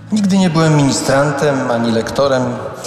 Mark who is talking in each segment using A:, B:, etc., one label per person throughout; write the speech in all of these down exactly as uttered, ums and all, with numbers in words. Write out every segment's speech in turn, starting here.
A: Nigdy nie byłem ministrantem ani lektorem.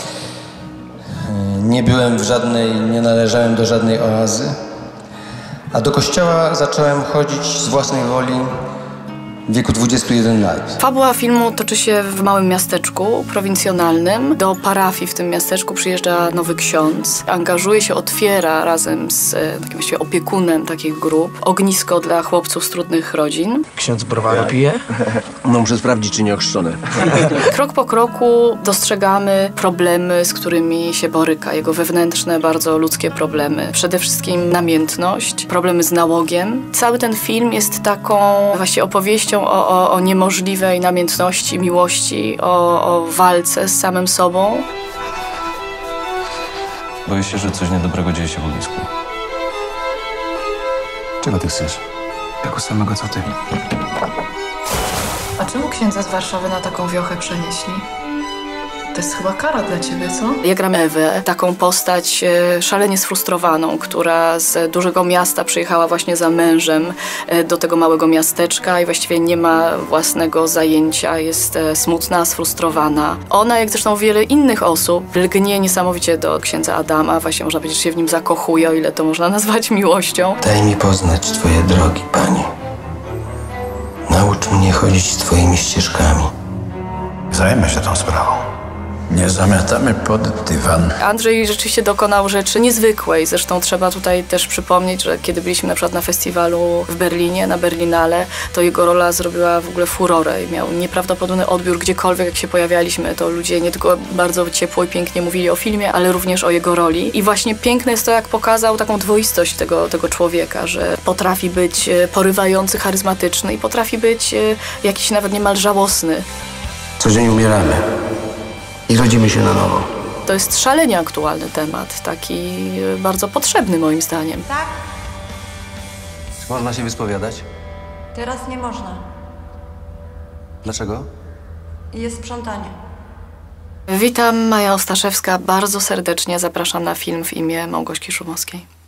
A: Nie byłem w żadnej, nie należałem do żadnej oazy. A do kościoła zacząłem chodzić z własnej woli w wieku dwudziestu jeden lat.
B: Fabuła filmu toczy się w małym miasteczku prowincjonalnym. Do parafii w tym miasteczku przyjeżdża nowy ksiądz. Angażuje się, otwiera razem z takim właściwie opiekunem takich grup ognisko dla chłopców z trudnych rodzin.
C: Ksiądz browaru pije?
D: No muszę sprawdzić, czy nie ochrzczone.
B: Krok po kroku dostrzegamy problemy, z którymi się boryka. Jego wewnętrzne, bardzo ludzkie problemy. Przede wszystkim namiętność, problemy z nałogiem. Cały ten film jest taką właśnie opowieścią O, o, o niemożliwej namiętności, miłości, o, o walce z samym sobą.
E: Boję się, że coś niedobrego dzieje się w ognisku.
D: Czego ty chcesz?
C: Tego samego co ty.
F: A czemu księdza z Warszawy na taką wiochę przenieśli? To jest chyba kara dla ciebie, co?
B: Ja gram Ewę, taką postać e, szalenie sfrustrowaną, która z dużego miasta przyjechała właśnie za mężem e, do tego małego miasteczka i właściwie nie ma własnego zajęcia, jest e, smutna, sfrustrowana. Ona, jak zresztą wiele innych osób, lgnie niesamowicie do księdza Adama, właśnie można powiedzieć, że się w nim zakochuje, o ile to można nazwać miłością.
A: Daj mi poznać twoje drogi, Panie. Naucz mnie chodzić twoimi ścieżkami.
G: Zajmę się tą sprawą. Nie zamiatamy pod dywan.
B: Andrzej rzeczywiście dokonał rzeczy niezwykłej. Zresztą trzeba tutaj też przypomnieć, że kiedy byliśmy na przykład na festiwalu w Berlinie, na Berlinale, to jego rola zrobiła w ogóle furorę i miał nieprawdopodobny odbiór gdziekolwiek, jak się pojawialiśmy. To ludzie nie tylko bardzo ciepło i pięknie mówili o filmie, ale również o jego roli. I właśnie piękne jest to, jak pokazał taką dwoistość tego, tego człowieka, że potrafi być porywający, charyzmatyczny i potrafi być jakiś nawet niemal żałosny.
D: Co dzień umieramy i rodzimy się na nowo.
B: To jest szalenie aktualny temat, taki bardzo potrzebny moim zdaniem.
H: Tak?
E: Czy można się wyspowiadać?
H: Teraz nie można.
E: Dlaczego?
H: Jest sprzątanie.
B: Witam, Maja Ostaszewska. Bardzo serdecznie zapraszam na film w imię Małgosi Szumowskiej.